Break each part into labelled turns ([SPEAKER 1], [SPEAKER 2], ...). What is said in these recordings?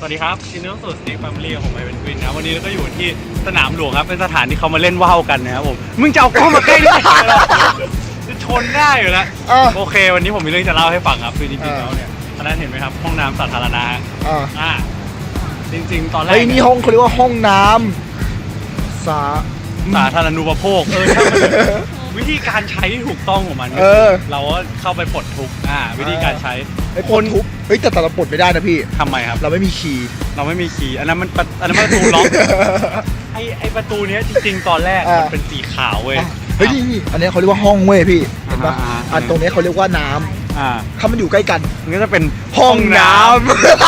[SPEAKER 1] สวัสดีครับยินดีต้อนรับสู่สตีฟแฟมิลี่ของไมเป็นควินนะวันนี้เราก็อยู่ที่สนามหลวงครับเป็นสถานที่เขามาเล่นว่าวกันนะครับผมมึงจะเอากล้องมาใกล้ได้จะชนได้อยู่แล้วโอเควันนี้ผมมีเรื่องจะเล่าให้ฟังครับคือจริงๆแล้วเนี่ยอันนั้นเห็นไหมครับห้องน้ำสาธารณะจริงๆตอนแรก
[SPEAKER 2] นี่ห้องเขาเรียกว่าห้องน้ำ
[SPEAKER 1] สาธารณูปโภควิธีการใช้ที่ถูกต้องของมันเราก็เข้าไปปลดทุกวิธีการใช้
[SPEAKER 2] คนทุบแต่เราปลดไม่ได้นะพี่
[SPEAKER 1] ทำไมครับ
[SPEAKER 2] เราไม่มีคีย์
[SPEAKER 1] อันนั้นมันประตูล็อกไอประตูนี้จริงๆตอนแรกมันเป็นสีขาวเว้ย
[SPEAKER 2] นี่อันนี้เขาเรียกว่าห้องเว้ยพี่เห็นปะอันตรงนี้เขาเรียกว่าน้ำถ้ามันอยู่ใกล้กัน
[SPEAKER 1] มันก็จะเป็น
[SPEAKER 2] ห้องน้ำ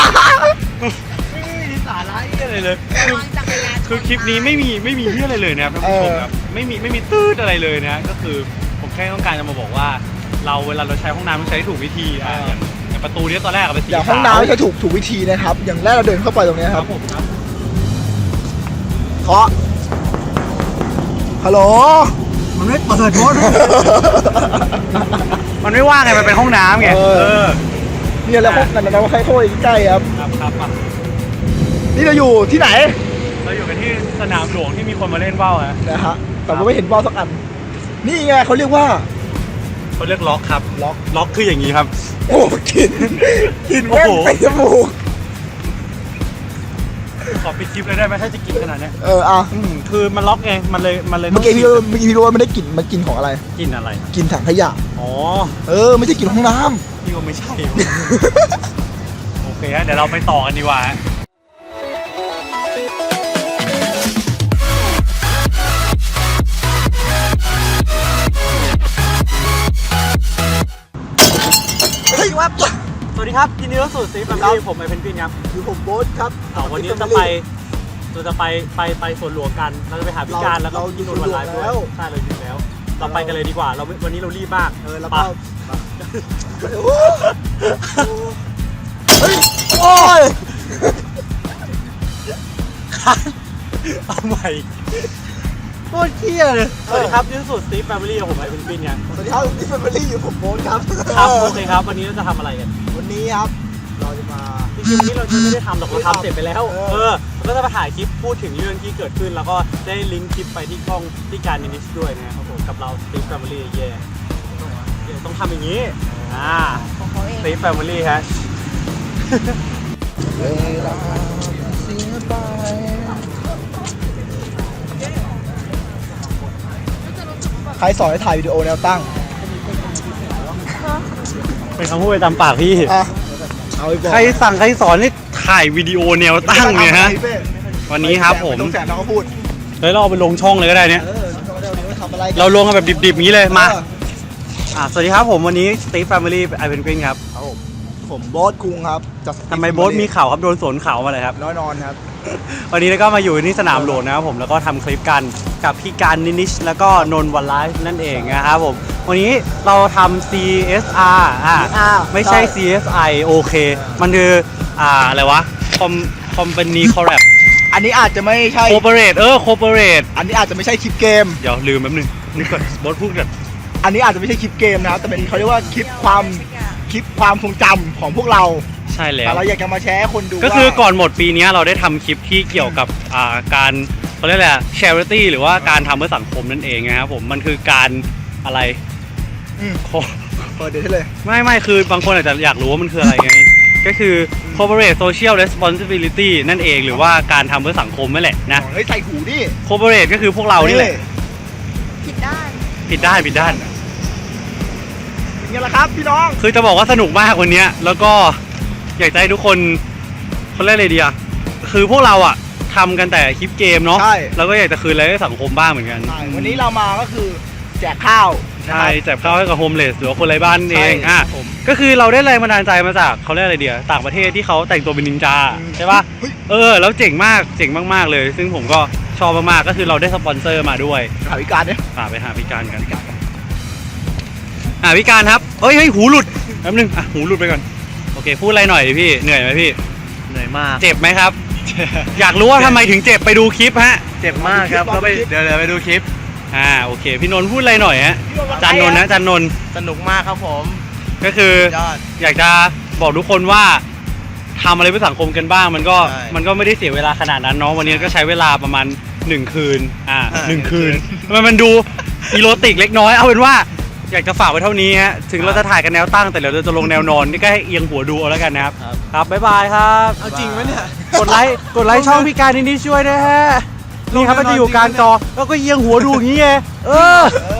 [SPEAKER 1] ไม่มีสาระอะไรเลยคือคลิปนี้ไม่มีเรื่องอะไรเลยนะครับท่านผู้ชมครับไม่มีตื้ออะไรเลยนะก็คือผมแค่ต้องการจะมาบอกว่าเวลาเราใช้ห้องน้ำต้องใช้ถูกวิธีอย่างประตูนี้ตอนแรกเป็นสีขาว
[SPEAKER 2] อย่างห้องน้ำใช้ถูกวิธีนะครับอย่างแรกเราเดินเข้าไปตรงนี้ครับเคาะฮัลโหลมันไม่เปิดโทษ
[SPEAKER 1] มันไม่ว่างไงมันเป็นห้องน้ำไง
[SPEAKER 2] นี่แหละพวกกันเราใครเข้าไปใกล้ครับนี่เราอยู่ที่ไหน
[SPEAKER 1] เราอยู่กันที่สนามหลวงที่มีคนมาเล่นว่าว
[SPEAKER 2] นะฮะแต่ก็ไม่เห็นว่าวสักอันนี่ไงเขาเรียก
[SPEAKER 1] ล็อกครับล็อกคืออย่างนี้ครับ
[SPEAKER 2] โอ้กินแม่งไปจมูก
[SPEAKER 1] ขอปิดคลิปเลยได้ไหมถ้าจะกินขนาดนี้คือมันล็อกไงมันเลย
[SPEAKER 2] เมื่อกี้พี่รู้ว่าไม่ได้กลิ่นมันกินของอะไร
[SPEAKER 1] กินอะไร
[SPEAKER 2] กินถังขยะไม่ใช่กินห้องน้
[SPEAKER 1] ำนี่ก็ไม่ใช่โอเคเดี๋ยวเราไปต่อกันดีกว่าสวัสดีครับยินดีต้อนรับสู่สตีฟแฟมิลี่ผมไอเพนกวินครับ
[SPEAKER 2] อยู่ผมโบ๊ทครับ
[SPEAKER 1] วันนี้เราจะไปสวนหลวงกันเราจะไปหาพิการแล้วก็กินนวันไลฟ์ด้วยใช่เราอยู่แล้วเราไปกันเลยดีกว่าวันนี้เรารีบมาก
[SPEAKER 2] แล้วก็โอ้ย
[SPEAKER 1] เอาใหม่โคตรเที่ยเลยสวัสดีครับยินดีต้อนรับสู่สตีฟแฟมิลี่ผมไอเพนกวินครับ
[SPEAKER 2] สวัสดีครับสตีฟแฟมิลี่อยู่ผมโบ๊ทครับ
[SPEAKER 1] โอเคครับวันนี้เราจะทำอะไรกัน
[SPEAKER 2] วันนี้ครับเราจะมา
[SPEAKER 1] จริงๆวันนี้เราจะไม่ได้ทำหรอกเราทำเสร็จไปแล้วเราก็จะมาถ่ายคลิปพูดถึงเรื่องที่เกิดขึ้นแล้วก็ได้ลิงก์คลิปไปที่ช่องที่การนิชด้วยนะครับผมกับเรา Steve Family ต้องทำอย่างนี้Steve Family ฮะ
[SPEAKER 2] ใครสอนให้ถ่ายวิดีโอแนวตั้ง
[SPEAKER 1] เป็นคำพูดไปตามปากพี่ใครสอนให้ถ่ายวิดีโอแนวตั้งเนี่ยฮะวันนี้ครับผม
[SPEAKER 2] ต้องแสบเราก็พูด
[SPEAKER 1] เราเอาไปลงช่องเลยก็ได้เนี่ยเราลงกันแบบดิบๆนี้เลยมาสวัสดีครับผมวันนี้ Steve Family ไอเพนกวินครับ
[SPEAKER 2] ผมโบ๊ทคุงครับ
[SPEAKER 1] ทำไมโบ๊ทมีเข่าครับโดนสวนเข่ามาเลยครับ
[SPEAKER 2] นอนครับ
[SPEAKER 1] วันนี้ก็มาอยู่ที่สนามหลวงนะครับผมแล้วก็ทำคลิปกันกับพี่การนิชแล้วก็นนท์วันไลฟ์นั่นเองนะครับผมวันนี้เราทำ CSR ไม่ใช่ CSI โอเคมันคืออะไรวะCompany Collab
[SPEAKER 2] อันนี้อาจจะไม่ใช่
[SPEAKER 1] Corporate Corporate
[SPEAKER 2] อันนี้อาจจะไม่ใช่คลิปเกม
[SPEAKER 1] เดี๋ยวลืมแป๊บนึงนี่ก่อนบอสพูดกัน
[SPEAKER 2] อันนี้อาจจะไม่ใช่คลิปเกมนะครับแต่เป็นเขาเรียกว่าคลิปความทรงจำของพวกเรา
[SPEAKER 1] ใช่แล้ว
[SPEAKER 2] แต่เราอยากจะมาแชร์ให้คนดู
[SPEAKER 1] ก็คือก่อนหมดปีนี้เราได้ทำคลิปที่เกี่ยวกับการเขาเรียกอะไรcharity หรือว่าการทำเพื่อสังคมนั่นเองนะครับผมมันคือการอะไร
[SPEAKER 2] เปิดเดี๋ยวเลย
[SPEAKER 1] ไม่คือบางคนอาจจะอยากรู้ว่ามันคืออะไรไงก็คือ corporate social responsibility นั่นเองหรือว่าการทำเพื่อสังคมนั่นแหละนะ
[SPEAKER 2] ใส่หูดิ
[SPEAKER 1] corporate ก็คือพวกเรานี่แหละ
[SPEAKER 2] ผิดด้าน
[SPEAKER 1] นี่
[SPEAKER 2] แหละครับพี่น้อง
[SPEAKER 1] คือจะบอกว่าสนุกมากวันนี้แล้วก็อยากให้ทุกคนเรียกอะไรดีคือพวกเราทำกันแต่คลิปเกมเนาะแล้วก็อยากจะคืนอะไรให้สังคมบ้างเหมือนกัน
[SPEAKER 2] วันนี้เรามาก็คือแจกข้าว
[SPEAKER 1] ใช่แจกข้าวให้กับโฮมเลสหรือว่าคนไร้บ้านเองก็คือเราได้แรงบันดาลใจมาจากเขาเรียกอะไรเดียต่างประเทศที่เขาแต่งตัวเป็นนินจาใช่ป่ะแล้วเจ๋งมากเลยซึ่งผมก็ชอบมากๆก็คือเราได้สปอนเซอร์มาด้วย
[SPEAKER 2] หาพิการเนี่ย
[SPEAKER 1] ไปหาพิการกันพิการครับเฮ้ยหูหลุดแป๊บนึงหูหลุดไปก่อนโอเคพูดอะไรหน่อยดิพี่เหนื่อยไหมพี่
[SPEAKER 3] เหนื่อยมาก
[SPEAKER 1] เจ็บไหมครับ อยากรู้ว่าทำไมถึงเจ็บไปดูคลิปฮะ
[SPEAKER 3] เจ็บมากครับเดี๋ยวไปดูคลิป
[SPEAKER 1] โอเคพี่นนท์พูดอะไรหน่อยฮะจันนนท์ส
[SPEAKER 3] นุกมากครับผม
[SPEAKER 1] ก็คืออยากจะบอกทุกคนว่าททำอะไรเพื่อสังคมกันบ้างมันก็ไม่ได้เสียเวลาขนาดนั้นเนาะวันนี้ก็ใช้เวลาประมาณ1 คืน1 คืนมันดูอีโรติกเล็กน้อยเอาเป็นว่าอยากจะฝากไว้เท่านี้ฮะถึงเราจะถ่ายกันแนวตั้งแต่เดี๋ยวเราจะลงแนวนอนนี่ก็ให้เอียงหัวดูเอาแล้วกันนะครับครับบ๊ายบายครับ
[SPEAKER 2] เอาจริงไหมเนี่ย
[SPEAKER 1] กดไลค์ช่องพี่การนิดช่วยด้วยฮะนี่ครับมันจะอยู่กลางจอแล้วก็เอียงหัวดูอย่างนี้ไง